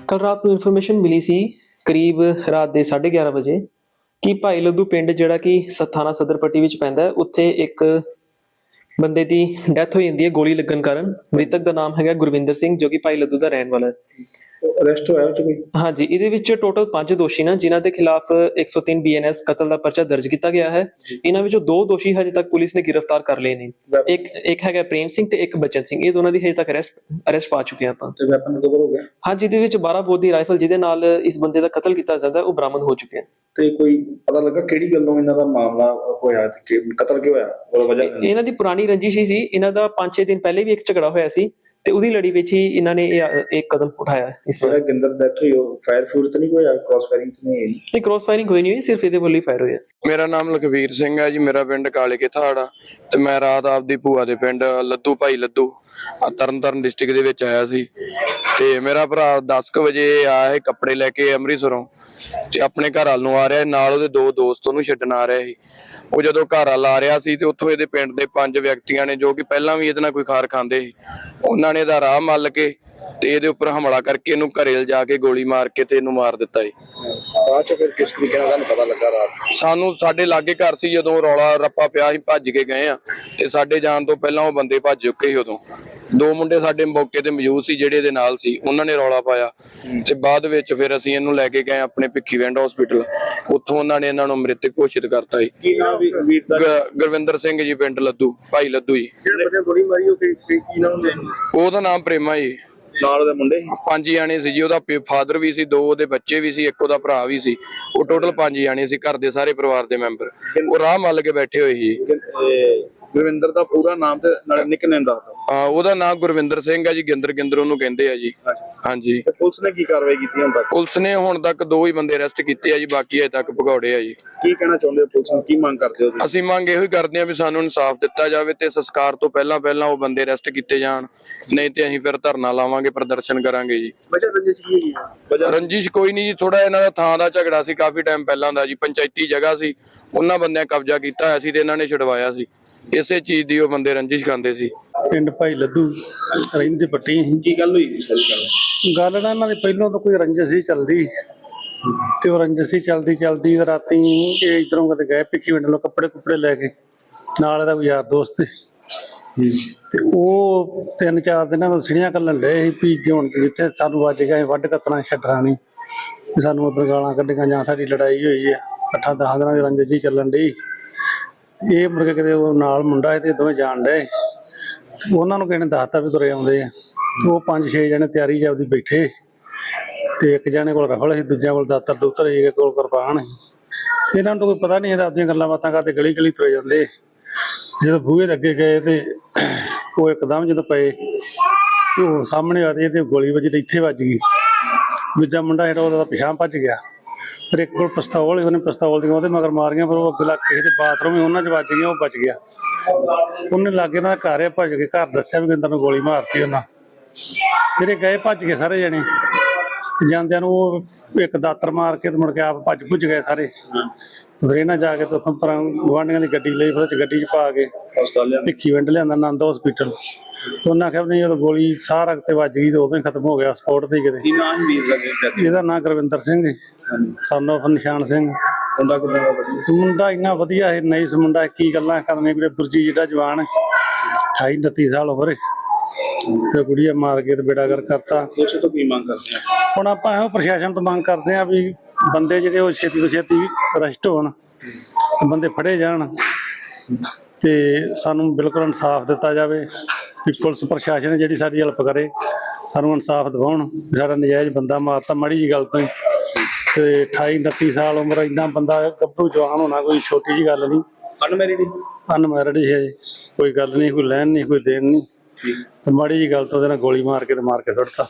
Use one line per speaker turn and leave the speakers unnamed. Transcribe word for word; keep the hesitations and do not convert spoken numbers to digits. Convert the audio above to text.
कल रात को इन्फॉर्मेशन मिली सी करीब रात के साढ़े ग्यारह बजे कि भाई लद्दू पिंड जिहड़ा कि थाना सदर पट्टी विच पैंदा है, उत्थे एक बंदे की डैथ हो जाती है गोली लगन कारण। मृतक का नाम है गुरविंदर सिंह, जो कि भाई लद्दू का रहने वाला है।
अरेस्ट होया कोई?
हाँ जी, इहदे टोटल पांच दोषी ने जिन्हां दे खिलाफ एक सौ तीन बी एन एस कतल का परचा दर्ज किया गया है। इन्हां विचों दो दोषी हजे तक पुलिस ने गिरफ्तार कर लिए ने। एक एक है प्रेम सिंह ते एक बचन सिंह, ये दोनों की हजे तक अरेस्ट अरेस्ट पा चुके हैं आपां।
ते वेपन रिकवर हो गया?
हाँ जी, इहदे विच बारह बोर दी राइफल जिहदे नाल इस बंदे दा कतल किया जाता है वो बरामद हो चुके हैं।
ते कोई पता लगा किहड़ी गल्लों इन्हां दा मामला होया ते कि कतल क्यों होया? ओह वजह
इन्हां दी पुरानी रंजिश ही सी। इन्हां दा पांच छे दिन पहले भी एक झगड़ा होया सी ते उहदी लड़ी विच ही इन्हां ने एक कदम उठाया। इस बार
गिंदर डेथ हुई, फायर फ्यूर तो नहीं होया? क्रॉस फायरिंग तो नहीं
नहीं, क्रॉस फायरिंग कोई नहीं हुई, सिर्फ इहदे ਵੱਲੋਂ फायर होया।
मेरा नाम लखवीर सिंह है जी, मेरा पिंड काले के थाड़ा ते मैं रात आपदी भूआ दे पिंड लद्दू भाई लद्दू तरन ताਰਨ डिस्ट्रिक्ट ਦੇ ਵਿੱਚ ਆਇਆ ਸੀ ਤੇ ਮੇਰਾ ਭਰਾ दस ਵਜੇ ਆਇਆ ਹੈ ਕੱਪੜੇ ਲੈ ਕੇ ਅੰਮ੍ਰਿਤਸਰੋਂ ਤੇ ਆਪਣੇ ਘਰ ਵੱਲ ਨੂੰ ਆ ਰਿਹਾ ਨਾਲ ਉਹਦੇ ਦੋ ਦੋਸਤ ਉਹਨੂੰ ਛੱਡਣ ਆ ਰਹੇ ਸੀ। ਉਹ ਜਦੋਂ ਘਰ ਵੱਲ ਆ ਰਿਹਾ ਸੀ ਤੇ ਉੱਥੋਂ ਇਹਦੇ ਪਿੰਡ ਦੇ ਪੰਜ ਵਿਅਕਤੀਆਂ ਨੇ ਜੋ ਕਿ ਪਹਿਲਾਂ ਵੀ ਇਹਦੇ ਨਾਲ ਕੋਈ ਖਾਰ ਖਾਂਦੇ ਸੀ, ਉਹਨਾਂ ਨੇ ਇਹਦਾ ਰਾਹ ਮੱਲ ਕੇ ਤੇ ਇਹਦੇ ਉੱਪਰ ਹਮਲਾ ਕਰਕੇ ਇਹਨੂੰ ਘਰੇ ਲਿਜਾ ਕੇ ਗੋਲੀ ਮਾਰ ਕੇ ਤੇ ਇਹਨੂੰ ਮਾਰ ਦਿੱਤਾ ਜੀ।
ਬਾਅਦ ਚ ਫਿਰ ਕਿਸ ਤਰੀਕੇ ਨਾਲ ਤੁਹਾਨੂੰ ਪਤਾ ਲੱਗਾ? ਰਾਤ
ਸਾਨੂੰ ਸਾਡੇ ਲਾਗੇ ਘਰ ਸੀ, ਜਦੋਂ ਰੌਲਾ ਰੱਪਾ ਪਿਆ ਸੀ ਭੱਜ ਕੇ ਗਏ ਆ ਤੇ ਸਾਡੇ ਜਾਣ ਤੋਂ ਪਹਿਲਾਂ ਉਹ ਬੰਦੇ ਭੱਜ ਚੁੱਕੇ ਸੀ। ਉਦੋਂ ਦੋ ਮੁੰਡੇ ਸਾਡੇ ਮੌਕੇ ਤੇ ਮੌਜੂਦ ਸੀ ਜਿਹੜੇ ਇਹਦੇ ਨਾਲ ਸੀ, ਉਹਨਾਂ ਨੇ ਰੌਲਾ ਪਾਇਆ ਤੇ ਬਾਅਦ ਵਿੱਚ ਫਿਰ ਅਸੀਂ ਇਹਨੂੰ ਲੈ ਕੇ ਗਏ ਆਪਣੇ ਭਿੱਖੀਵਿੰਡ ਹਸਪੀਟਲ। ਉੱਥੋਂ ਉਹਨਾਂ ਨੇ ਇਹਨਾਂ ਨੂੰ ਮ੍ਰਿਤਕ ਘੋਸ਼ਿਤ ਕਰਤਾ ਜੀ।
ਕੀ ਨਾਮ ਵੀ ਵੀਰ ਦਾ?
ਗੁਰਵਿੰਦਰ ਸਿੰਘ ਜੀ, ਪਿੰਡ ਲੱਦੂ ਭਾਈ ਲੱਦੂ ਜੀ।
ਜਿਹੜੇ ਬੰਦੇ ਗੋਲੀ ਮਾਰੀ ਉਹ ਕੀ ਨਾਮ ਦੇ?
ਉਹਦਾ ਨਾਮ ਪ੍ਰੇਮਾ ਜੀ।
ਨਾਲ ਉਹਦੇ ਮੁੰਡੇ
ਪੰਜ ਜਾਣੇ ਸੀ ਜੀ, ਉਹਦਾ ਫਾਦਰ ਵੀ ਸੀ, ਦੋ ਉਹਦੇ ਬੱਚੇ ਵੀ ਸੀ, ਇੱਕ ਉਹਦਾ ਭਰਾ ਵੀ ਸੀ। ਉਹ ਟੋਟਲ ਪੰਜ ਜਾਣੇ ਸੀ, ਘਰ ਦੇ ਸਾਰੇ ਪਰਿਵਾਰ ਦੇ ਮੈਂਬਰ। ਉਹ ਰਾਹ ਮੱਲ ਕੇ ਬੈਠੇ ਹੋਏ ਸੀ।
ਗੁਰਵਿੰਦਰ ਦਾ ਪੂਰਾ ਨਾਮ ਤੇ ਨਾਲ ਨਿਕਨੇਮ ਦਾ?
ਹਾਂ, ਉਹਦਾ ਨਾਮ ਗੁਰਵਿੰਦਰ ਸਿੰਘ ਹੈ ਜੀ, ਗਿੰਦਰ ਗਿੰਦਰ ਉਹਨੂੰ ਕਹਿੰਦੇ ਆ ਜੀ। ਹਾਂਜੀ।
ਪੁਲਿਸ ਨੇ ਕੀ ਕਾਰਵਾਈ ਕੀਤੀ ਹੁਣ ਤੱਕ?
ਪੁਲਿਸ ਨੇ ਹੁਣ ਤੱਕ ਦੋ ਹੀ ਬੰਦੇ ਅਰੈਸਟ ਕੀਤੇ ਆ ਜੀ, ਬਾਕੀ ਅਜੇ ਤੱਕ ਭਗੌੜੇ ਆ ਜੀ।
ਕੀ ਕਹਿਣਾ ਚਾਹੁੰਦੇ ਹੋ ਪੁਲਿਸ ਨੂੰ? ਕੀ ਮੰਗ ਕਰਦੇ ਹੋ?
ਅਸੀਂ ਮੰਗ ਇਹੋ ਹੀ ਕਰਦੇ ਆ ਵੀ ਸਾਨੂੰ ਇਨਸਾਫ ਦਿੱਤਾ ਜਾਵੇ ਤੇ ਸੰਸਕਾਰ ਤੋਂ ਪਹਿਲਾਂ ਪਹਿਲਾਂ ਉਹ ਬੰਦੇ ਅਰੈਸਟ ਕੀਤੇ ਜਾਣ, ਨਹੀਂ ਤੇ ਅਸੀਂ ਫਿਰ ਧਰਨਾ ਲਾਵਾਂਗੇ, ਪ੍ਰਦਰਸ਼ਨ ਕਰਾਂਗੇ ਜੀ।
ਵਜ੍ਹਾ ਰੰਜਿਸ਼ ਕੀ ਹੈਗੀ? ਵਜ੍ਹਾ
ਰੰਜਿਸ਼ ਕੋਈ ਨਹੀਂ ਜੀ, ਥੋੜਾ ਇਹਨਾਂ ਦਾ ਥਾਂ ਦਾ ਝਗੜਾ ਸੀ ਕਾਫੀ ਟਾਈਮ ਪਹਿਲਾਂ ਦਾ ਜੀ। ਪੰਚਾਇਤੀ ਜਗ੍ਹਾ ਸੀ, ਉਹਨਾਂ ਬੰਦਿਆਂ ਕਬਜ਼ਾ ਕੀਤਾ ਹੋਇਆ ਸੀ ਤੇ ਇਹਨਾਂ ਨੇ ਛਡਵਾਇਆ ਸੀ। ਇਸੇ ਚੀਜ਼ ਦੀ ਉਹ ਬੰਦੇ ਰੰਜਿਸ਼ ਖਾਂਦੇ ਸੀ।
ਪਿੰਡ ਭਾਈ ਲੱਦੂ ਰਹਿੰਦੇ ਪੱਟੀ।
ਕੀ ਗੱਲ ਹੋਈ ਸਾਰੀ ਗੱਲ?
ਗੱਲ ਨਾ ਇਹਨਾਂ ਦੀ ਪਹਿਲਾਂ ਤਾਂ ਕੋਈ ਰੰਜਿਸ਼ ਹੀ ਚੱਲਦੀ ਤੇ ਉਹ ਰੰਜਿਸ਼ ਹੀ ਚਲਦੀ ਚਲਦੀ ਰਾਤੀ ਇਹ ਇਧਰੋਂ ਕਦੇ ਗਏ ਭਿੱਖੀਵਿੰਡ ਵੱਲੋਂ ਕੱਪੜੇ ਕੁੱਪੜੇ ਲੈ ਕੇ, ਨਾਲ ਇਹਦਾ ਕੋਈ ਯਾਰ ਦੋਸਤ ਤੇ ਉਹ ਤਿੰਨ ਚਾਰ ਦਿਨਾਂ ਤੋਂ ਸਿੜੀਆਂ ਕੱਲਣ ਲਏ ਸੀ ਵੀ ਜੇ ਹੁਣ ਜਿੱਥੇ ਸਾਨੂੰ ਵੱਜ ਗਿਆ ਵੱਢ ਕੱਤਣਾ ਛੱਡਣਾ ਨਹੀਂ, ਵੀ ਸਾਨੂੰ ਉੱਧਰ ਗਾਲਾਂ ਕੱਢੀਆਂ ਜਾਂ ਸਾਡੀ ਲੜਾਈ ਹੋਈ ਹੈ। ਅੱਠਾਂ ਦਸਾਂ ਦਿਨਾਂ ਦੀ ਰੰਜਿਸ਼ ਹੀ ਚੱਲਣ ਡਈ। ਇਹ ਮੁੜ ਕੇ ਕਿਤੇ ਉਹ ਨਾਲ ਮੁੰਡਾ ਤੇ ਦੋਵੇਂ ਜਾਣ ਡਏ, ਉਹਨਾਂ ਨੂੰ ਕਿਸੇ ਨੇ ਦੱਸਤਾ ਵੀ ਤੁਰੇ ਆਉਂਦੇ ਆ। ਉਹ ਪੰਜ ਛੇ ਜਣੇ ਤਿਆਰੀ ਜਾਂਦੀ ਬੈਠੇ ਤੇ ਇੱਕ ਜਣੇ ਕੋਲ ਰਫਲ ਸੀ, ਦੂਜਿਆਂ ਕੋਲ ਦਾਤਰ ਦੂਤਰ ਸੀ, ਇੱਕ ਕੋਲ ਕਿਰਪਾਨ ਸੀ। ਇਹਨਾਂ ਨੂੰ ਤਾਂ ਕੋਈ ਪਤਾ ਨਹੀਂ, ਇਹਦਾ ਆਪਣੀਆਂ ਗੱਲਾਂ ਬਾਤਾਂ ਕਰਦੇ ਗਲੀ ਗਲੀ ਤੁਰੇ ਜਾਂਦੇ। ਜਦੋਂ ਬੂਹੇ ਦੇ ਅੱਗੇ ਗਏ ਤੇ ਉਹ ਇੱਕਦਮ ਜਦੋਂ ਪਏ ਤੇ ਉਹ ਸਾਹਮਣੇ ਆ ਤੇ ਤੇ ਗੋਲੀ ਵੱਜੀ ਤੇ ਇੱਥੇ ਵੱਜ ਗਈ। ਦੂਜਾ ਮੁੰਡਾ ਜਿਹੜਾ ਉਹਦਾ ਪਿਛਾਂਹ ਭੱਜ ਗਿਆ। ਫਿਰ ਇੱਕ ਕੋਲ ਪਿਸਤੌਲ ਸੀ, ਉਹਨੇ ਪਿਸਤੌਲ ਦੀਆਂ ਉਹਦੇ ਮਗਰ ਮਾਰੀਆਂ, ਪਰ ਉਹ ਅੱਗੇ ਲੱਗ ਕਿਸੇ ਦੇ ਬਾਥਰੂਮ ਹੀ ਉਹਨਾਂ 'ਚ ਵੱਜ ਗਈਆਂ, ਉਹ ਬਚ ਗਿਆ। ਉਹਨੇ ਲਾਗੇ ਇਹਨਾਂ ਦਾ ਘਰ ਆ, ਭੱਜ ਕੇ ਘਰ ਦੱਸਿਆ ਵੀ ਗਿੰਦਰ ਨੂੰ ਗੋਲੀ ਮਾਰਤੀ ਉਹਨਾਂ। ਫਿਰ ਇਹ ਗਏ ਭੱਜ ਕੇ ਸਾਰੇ ਜਣੇ, ਜਾਂਦਿਆਂ ਨੂੰ ਉਹ ਇੱਕ ਦਾਤਰ ਮਾਰ ਕੇ ਤੇ ਮੁੜ ਕੇ ਆਪ ਭੱਜ ਭੁੱਜ ਗਏ ਸਾਰੇ। ਫਿਰ ਇਹਨਾਂ ਜਾ ਕੇ ਤੇ ਉੱਥੋਂ ਪਰ ਗੁਆਂਢੀਆਂ ਦੀ ਗੱਡੀ ਲਈ, ਫਿਰ ਗੱਡੀ 'ਚ ਪਾ ਕੇ ਭਿੱਖੀਵਿੰਡ ਲਿਆਂਦਾ ਆਨੰਦ ਹਸਪੀਟਲ। ਉਹਨਾਂ ਆਖਿਆ ਨਹੀਂ ਜਦੋਂ ਗੋਲੀ ਸਾਹ ਰਗ ਤੇ ਵੱਜ ਗਈ ਤੇ ਉਦੋਂ ਹੀ ਖਤਮ ਹੋ ਗਿਆ, ਸਪੋਰਟ ਤੇ ਕਿਤੇ।
ਕੀ ਨਾਮ ਵੀਰ ਦਾ?
ਇਹਦਾ ਨਾਂ ਗੁਰਵਿੰਦਰ ਸਿੰਘ ਹੈ, ਸਨ ਆਫ ਨਿਸ਼ਾਨ ਸਿੰਘ।
ਮੁੰਡਾ ਕਿੰਨਾ ਵਧੀਆ?
ਮੁੰਡਾ ਇੰਨਾ ਵਧੀਆ ਹੈ, ਨਹੀਂ ਇਸ ਮੁੰਡਾ ਕੀ ਗੱਲਾਂ ਕਰਨੇ, ਵੀਰੇ ਗੁਰਜੀ ਜਿਹੜਾ ਜਵਾਨ ਅਠਾਈ ਉਨੱਤੀ ਸਾਲ ਉਮਰ ਤੇ ਕੁੜੀਆ ਮਾਰ ਕੇ ਤੇ ਬੇੜਾ ਕਰ ਕਰਤਾ।
ਪੁਲਿਸ ਤੋਂ ਕੀ ਮੰਗ ਕਰਦੇ ਆ?
ਹੁਣ ਆਪਾਂ ਇਹੋ ਪ੍ਰਸ਼ਾਸਨ ਤੋਂ ਮੰਗ ਕਰਦੇ ਆ ਵੀ ਬੰਦੇ ਜਿਹੜੇ ਉਹ ਛੇਤੀ ਤੋਂ ਛੇਤੀ ਅਰੈਸਟ ਹੋਣ, ਬੰਦੇ ਫੜੇ ਜਾਣ ਤੇ ਸਾਨੂੰ ਬਿਲਕੁਲ ਇਨਸਾਫ ਦਿੱਤਾ ਜਾਵੇ। ਵੀ ਪੁਲਿਸ ਪ੍ਰਸ਼ਾਸਨ ਜਿਹੜੀ ਸਾਡੀ ਹੈਲਪ ਕਰੇ, ਸਾਨੂੰ ਇਨਸਾਫ ਦਿਵਾਉਣ। ਸਾਡਾ ਨਜਾਇਜ਼ ਬੰਦਾ ਮਾਰਤਾ ਮਾੜੀ ਜੀ ਗੱਲ ਤੋਂ ਹੀ, ਤੇ ਅਠਾਈ ਉਨੱਤੀ ਸਾਲ ਉਮਰ, ਇੰਨਾ ਬੰਦਾ ਗੱਭਰੂ ਜਵਾਨ ਹੋਣਾ ਕੋਈ ਛੋਟੀ ਜੀ ਗੱਲ ਨਹੀਂ।
ਅਨਮੈਰਿਡ?
ਅਨਮੈਰਿਡ ਹੀ ਹੈ ਜੀ, ਕੋਈ ਗੱਲ ਨਹੀਂ, ਕੋਈ ਲੈਣ ਨਹੀਂ, ਕੋਈ ਦੇਣ ਨਹੀਂ। ਤੇ ਮਾੜੀ ਜੀ ਗੱਲ ਤੋਂ ਉਹਦੇ ਨਾਲ ਗੋਲੀ ਮਾਰ ਕੇ ਤੇ ਮਾਰ ਕੇ ਸੁੱਟਤਾ।